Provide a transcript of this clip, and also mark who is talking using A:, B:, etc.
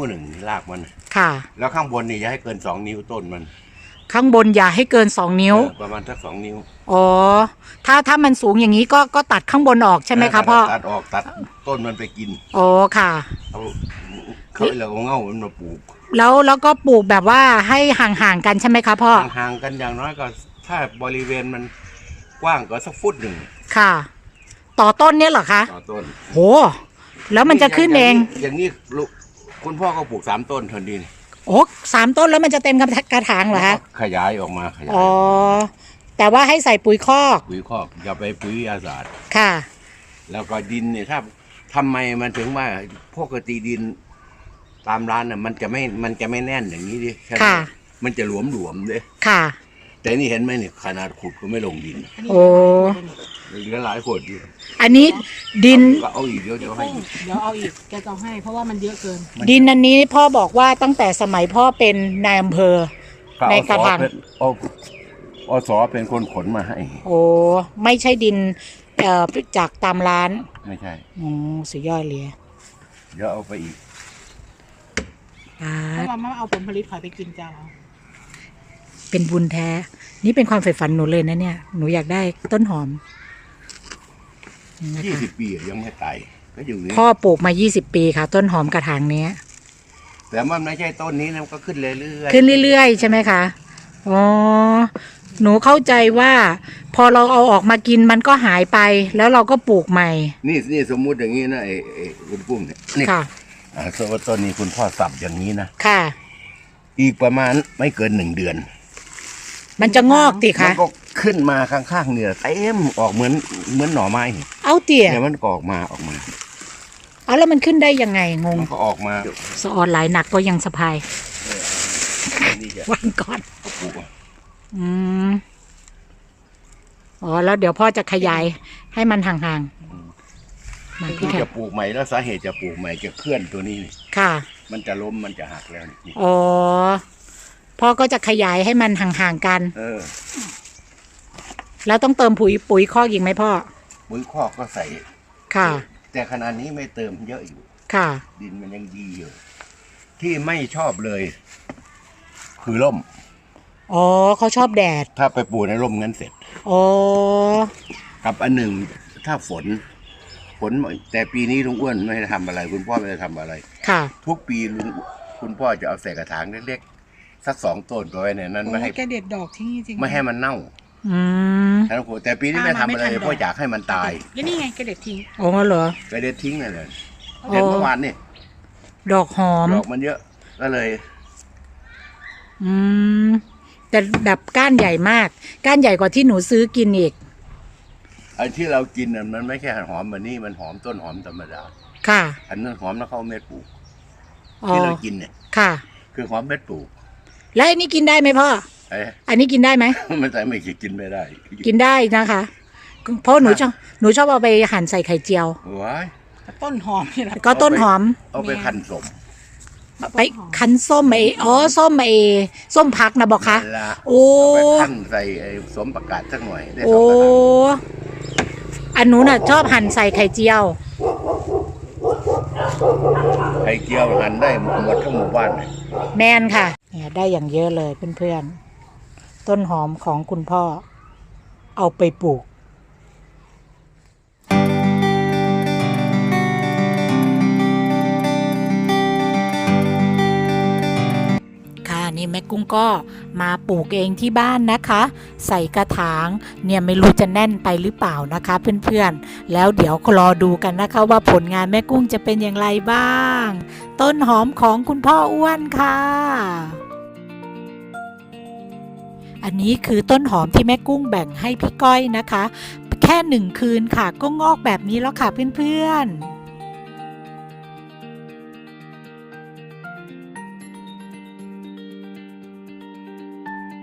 A: หนึ่งรากมัน
B: ค่ะ
A: แล้วข้างบนนี่อย่าให้เกิน2 นิ้วต้นมัน
B: ข้างบนอย่าให้เกิน2 นิ้ว
A: ประมาณสัก2 นิ้ว
B: อ๋อถ้ามันสูงอย่างนี้ก็ตัดข้างบนออกใช่ไหมคะพ่อ
A: ตัดออกตัดต้นมันไปกิน
B: อ๋อค่ะ
A: เขาเอาเง่ามันมาปลูก
B: แล้วก็ปลูกแบบว่าให้ห่างๆกันใช่ไหมคะพ่อ
A: ห่างกันอย่างน้อยก็ถ้าบริเวณมันกว้างก็สักฟุตหนึ่ง
B: ค่ะต่อต้นเนี่ยเหรอคะ
A: ต่อต้น
B: โหแล้วมันจะขึ้นเอง
A: อย่างนี้คุณพ่อก็ปลูก3 ต้นเท่านี้
B: โอ้3 ต้นแล้วมันจะเต็มกระถางเหรอคะ
A: ขยายออกมาขยาย
B: อ๋อแต่ว่าให้ใส่ปุ๋ยคอก
A: อย่าไปปุ๋ยอาสา
B: ค่ะ
A: แล้วก็ดินเนี่ยถ้าทำไมมันถึงว่าปกติดินตามร้านน่ะมันจะไม่แน่นอย่างนี้ดิ
B: ค่ะ
A: มันจะหลวมเลย
B: ค่ะ
A: แต่นี่เห็นไหมเนี่ยขนาดขุดก็ไม่ลงดิน
B: โอ้
A: เหลือหลายคนอยู่
B: อันนี้ดิน
A: เอาอีกเดี๋ยวให้
C: เดี๋ยวเอาอีกแกจะให้เพราะว่ามันเยอะเกิน
B: ดินอันนี้พ่อบอกว่าตั้งแต่สมัยพ่อเป็นนายอำเภอในกระถาง
A: อสเป็นคนขนมาให้
B: โอ้ไม่ใช่ดินจากตามร้าน
A: ไม่ใช่
B: โอ้สุดยอดเลย
A: เดี๋ยวเอาไปอีก
C: เพราะว่าไม่เอาผลผลิตขายไปกินจ้า
B: เป็นบุญแท้นี่เป็นความใฝ่ฝันหนูเลยนะเนี่ยหนูอยากได้ต้นหอม
A: 20 ปียังไม่ตายก็อยู่นี่
B: พ่อปลูกมา20 ปีค่ะต้นหอมกระถางนี้
A: แต่มันไม่ใช่ต้นนี้นะมันก็ขึ้นเรื่อย
B: ๆขึ้นเรื่อยๆใช่ไหมคะอ๋อหนูเข้าใจว่าพอเราเอาออกมากินมันก็หายไปแล้วเราก็ปลูกใหม่
A: นี่สมมุติอย่างนี้นะไอ้คุณปุ้มเนี่ยนี่
B: ค่ะ
A: สมมติต้นนี้คุณพ่อสับอย่างนี้นะ
B: ค่ะ
A: อีกประมาณไม่เกิน1 เดือน
B: มันจะงอกติคะ
A: มันก็ขึ้นมาข้างๆเนี่ยเต็มออกเหมือนหน่อไม้
B: เอาเตี่ย
A: เนี่ยมันก็ออกมา
B: เอาแล้วมันขึ้นได้ยังไงงง
A: มันก็ออกมา
B: สะออนหลายหนักก็ยังสะพายวางก่อนอ๋อแล้วเดี๋ยวพ่อจะขยายให้มันห่างๆ
A: มันจะปลูกใหม่แล้วสาเหตุจะปลูกใหม่จะเคลื่อนตัวนี้
B: ค่ะ
A: มันจะล้มมันจะหักแล้วนี่
B: อ๋อพ่อก็จะขยายให้มันห่างๆกันแล้วต้องเติมปุ๋ยคอกอีกไหมพ่อ
A: ปุ๋ยคอกก็ใส่
B: ค่ะ
A: แต่ขณะนี้ไม่เติมเยอะอยู่
B: ค่ะ
A: ดินมันยังดีอยู่ที่ไม่ชอบเลยคือร่ม
B: อ๋อเขาชอบแดด
A: ถ้าไปปลูกในร่มงั้นเสร็จ
B: อ๋อ
A: กับอันหนึ่งถ้าฝนแต่ปีนี้ลุงอ้วนไม่ได้ทำอะไรคุณพ่อไม่ได้ทำอะไร
B: ค่ะ
A: ทุกปีคุณพ่อจะเอาใส่กระถางเล็กๆสัก2 ต้นไว้ในนั้นไม่ให้
C: แกเด็ดดอกที่จริง
A: ไม่ให้มันเน่าแต่ปีนี้ไม่ทำอะไรเพราะอยากให้มันตาย
C: แล้วนี่ไงแกเด็ดทิ้ง
B: อ๋อเหรอ
A: แกเด็ดทิ้งเลยเด็ดเมื่อวานนี่
B: ดอกหอม
A: ดอกมันเยอะก็เลย
B: แต่แบบก้านใหญ่มากก้านใหญ่กว่าที่หนูซื้อกินอีก
A: ไอ้ที่เรากินมันไม่ใช่หอมแบบนี้มันหอมต้นหอมธรรมดา
B: ค่ะ
A: อันนั้นหอมแล้วเข้าเม็ดปลูกที่เรากินเนี่ย
B: ค่ะ
A: คือหอมเม็ดปลูก
B: แล้วอันนี้กินได้ไหมพ่ออันนี้กินได้ไหม
A: มันไม่กินไม่ได้
B: กินได้นะคะเพราะหนูชอบเอาไปหั่นใส่ไข่เจียว
A: ว้าย
C: ต้นหอมนี่แหละ
B: ก็ต้นหอม
A: เอาไปคั้นส้ม
B: ไปคั้นส้มส้มพักนะบอกคะโอ้
A: ไปคั้นใส่สมประกาศสักหน่อย
B: โอ้อันนู้นน่ะชอบหั่นใส่ไข่เจียว
A: หั่นได้หมดทั้งหมู่บ้านเลย
B: แมนค่ะเนี่ยได้อย่างเยอะเลยเพื่อนๆต้นหอมของคุณพ่อเอาไปปลูกนี่แม่กุ้งก็มาปลูกเองที่บ้านนะคะใส่กระถางเนี่ยไม่รู้จะแน่นไปหรือเปล่านะคะเพื่อนๆแล้วเดี๋ยวรอดูกันนะคะว่าผลงานแม่กุ้งจะเป็นอย่างไรบ้างต้นหอมของคุณพ่ออ้วนค่ะอันนี้คือต้นหอมที่แม่กุ้งแบ่งให้พี่ก้อยนะคะแค่1 คืนค่ะก็งอกแบบนี้แล้วค่ะเพื่อนๆ